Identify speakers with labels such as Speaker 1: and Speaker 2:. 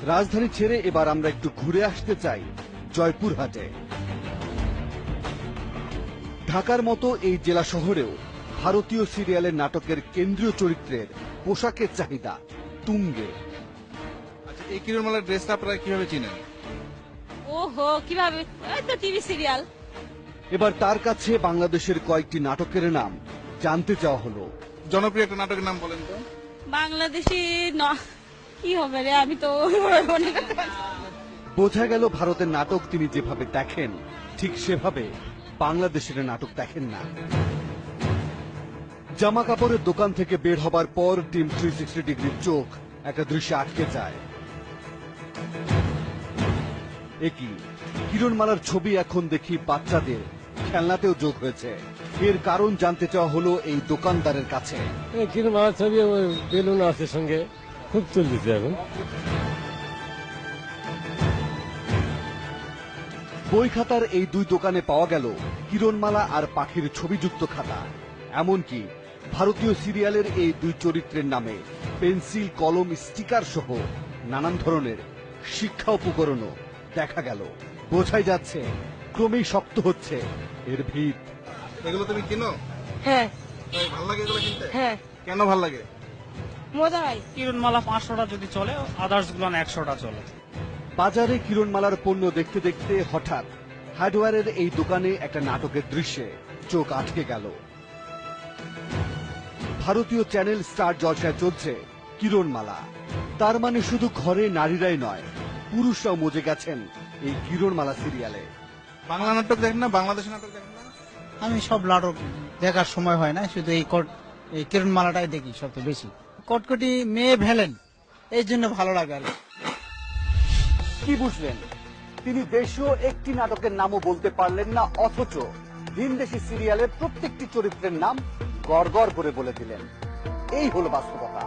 Speaker 1: রাজধানী ছেড়ে এবার আমরা একটু ঘুরে আসতে চাই জয়পুরহাটে। ঢাকার মতো এই জেলা শহরেও ভারতীয় সিরিয়ালের নাটকের কেন্দ্রীয় চরিত্রের পোশাকের চাহিদা তুঙ্গে।
Speaker 2: আচ্ছা, এই কিরণমালার ড্রেসটা আপনারা কিভাবে চিনেন?
Speaker 3: ওহো, কিভাবে? এই তো টিভি সিরিয়াল।
Speaker 1: এবার তার কাছে বাংলাদেশের কয়েকটি নাটকের নাম জানতে চাওয়া হলো।
Speaker 2: জনপ্রিয় একটা নাটকের নাম বলেন তো।
Speaker 3: বাংলাদেশি কি হবে রে, আমি তো মনে করতে পারছি না।
Speaker 1: বোঝা গেল ভারতের নাটক তিনি যেভাবে দেখেন ঠিক সেভাবে বাংলাদেশের নাটক দেখেন না। জামা কাপড়ের দোকান থেকে বের হবার পর টিম 360 ডিগ্রির চোখ একটা দৃশ্যে আটকে যায়। একই কিরণমালার ছবি এখন দেখি বাচ্চাদের খেলনাতেও যোগ হয়েছে। এর কারণ জানতে চাওয়া হলো এই দোকানদারের কাছে।
Speaker 4: কিরণমালার ছবি বেলুন আছে সঙ্গে, খুব চলতেছে এখন।
Speaker 1: বই খাতার এই দুই দোকানে পাওয়া গেল কিরণমালা আর পাখির ছবিযুক্ত খাতা। এমনকি ভারতীয় সিরিয়ালের এই দুই চরিত্রের নামে পেন্সিল, কলম, স্টিকার সহ নানান ধরনের শিক্ষা উপকরণও দেখা গেল। বোঝাই যাচ্ছে ক্রমেই শক্ত হচ্ছে এর ভিত।
Speaker 2: এগুলো তুমি কিনো?
Speaker 3: হ্যাঁ
Speaker 2: তাই ভালো লাগে এগুলো কিনতে?
Speaker 3: হ্যাঁ,
Speaker 2: কেন ভালো লাগে?
Speaker 3: মজা হয়।
Speaker 5: কিরণমালা 500টা যদি চলে, আদার্স গুলো 100টা চলে।
Speaker 1: বাজারে কিরণমালার পণ্য দেখতে দেখতে হঠাৎ হার্ডওয়্যারের এই দোকানে একটা নাটকের দৃশ্যে চোখ আটকে গেল। ভারতীয় চ্যানেল স্টার জলসায় চলছে কিরণমালা। তার মানে শুধু ঘরে নারীরাই নয়, পুরুষরাও মজে গেছেন এই কিরণমালা সিরিয়ালে।
Speaker 2: বাংলা নাটক দেখেন না? বাংলাদেশি নাটক দেখেন না?
Speaker 6: আমি সব নাটক দেখার সময় হয় না, শুধু এই কিরণমালাটাই দেখি সবচেয়ে বেশি। কটকটি মেয়ে ভেলেন, এই জন্য ভালো লাগে আর কি।
Speaker 1: কি বুঝলেন? তিনি দেশীয় একটি নাটকের নামও বলতে পারলেন না, অথচ ভিনদেশি সিরিয়ালের প্রত্যেকটি চরিত্রের নাম গড় গড় করে বলে দিলেন। এই হলো বাস্তবতা।